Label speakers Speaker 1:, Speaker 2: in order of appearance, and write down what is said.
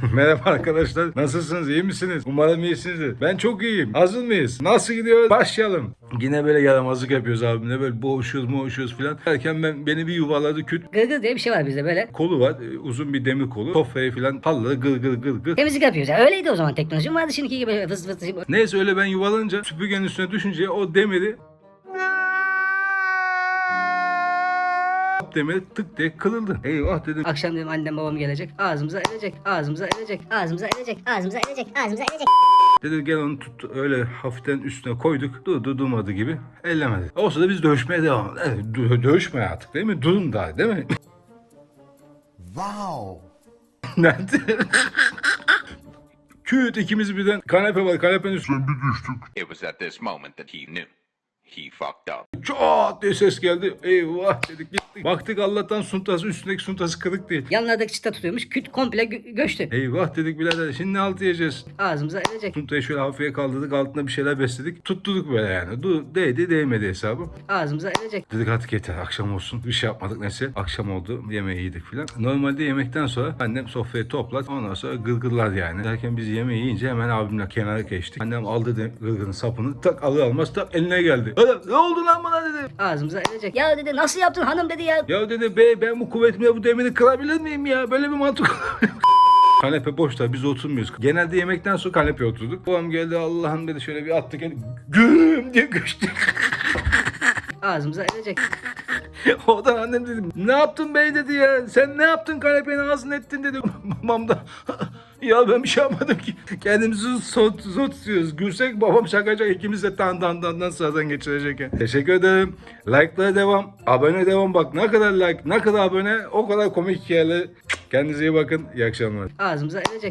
Speaker 1: Merhaba arkadaşlar. Nasılsınız? İyi misiniz? Umarım iyisinizdir. Ben çok iyiyim. Hazır mıyız? Nasıl gidiyor? Başlayalım. Yine böyle yaramazlık yapıyoruz abimle. Böyle boğuşuyoruz filan. Derken beni bir yuvaladı küt.
Speaker 2: Gırgır diye bir şey var bizde böyle.
Speaker 1: Kolu var. Uzun bir demir kolu. Sofrayı filan halladı gır.
Speaker 2: Temizlik yapıyoruz. Yani öyleydi o zaman teknoloji mi vardı şimdiki gibi fıs fıs.
Speaker 1: Neyse öyle ben yuvalanınca süpürgenin üstüne düşünce o demiri tık diye kırıldı. Eyvah dedim.
Speaker 2: Akşam dedim annem babam gelecek. Ağzımıza erecek. Ağzımıza erecek.
Speaker 3: Ağzımıza erecek, ağzımıza erecek, ağzımıza erecek.
Speaker 1: Dedi gel onu tut, öyle hafiften üstüne koyduk. Durmadı gibi. Ellemedi. O sırada biz dövüşmeye devam. Evet, dövüşmeye artık değil mi? Durun daha değil mi?
Speaker 4: Wow.
Speaker 1: Nerede? Küt ikimiz birden kanepe var. Kanepenin üstüne bir düştük.
Speaker 5: It was at this moment that he knew. He fucked up.
Speaker 1: Çat diye ses geldi. Eyvah dedik gittik. Baktık Allah'tan suntası üstündeki suntası kırık değil.
Speaker 2: Yanlardaki çıta tutuyormuş. Küt komple göçtü.
Speaker 1: Eyvah dedik birader şimdi ne halt yiyeceğiz?
Speaker 2: Ağzımıza erecek.
Speaker 1: Suntayı şöyle hafife kaldırdık altına bir şeyler besledik. Tutturduk böyle yani. Değdi değmedi hesabı.
Speaker 2: Ağzımıza erecek.
Speaker 1: Dedik artık yeter akşam olsun. Bir şey yapmadık neyse. Akşam oldu yemeği yedik filan. Normalde yemekten sonra annem sofrayı toplar. Ondan sonra gırgırlar yani. Derken biz yemeği yiyince hemen abimle kenara geçtik. Annem aldı gırgırın sapını. Tak alır almaz tak eline geldi. Ne oldu lan bana dedi.
Speaker 2: Ağzımıza erecek. Ya dedi nasıl yaptın hanım dedi ya.
Speaker 1: Ya dedi ben bu kuvvetimle bu demiri kırabilir miyim ya? Böyle bir mantık Kanepe boşta biz oturmuyoruz. Genelde yemekten sonra kanepeye oturduk. Babam geldi Allah'ım dedi şöyle bir attı kendini. Güm diye göçtü.
Speaker 2: Ağzımıza erecek.
Speaker 1: Oradan annem dedi ne yaptın bey dedi ya. Sen ne yaptın kanepenin ağzını ettin dedi. Babam da ya ben bir şey yapmadım ki. Kendimizi zor tutuyoruz. Gülsek babam şakacak ikimiz de tan sıradan geçirecek. Teşekkür ederim. Like'lara devam. Abone devam bak. Ne kadar like ne kadar abone o kadar komik hikayeler. Kendinize iyi bakın. İyi akşamlar.
Speaker 2: Ağzımıza erecek.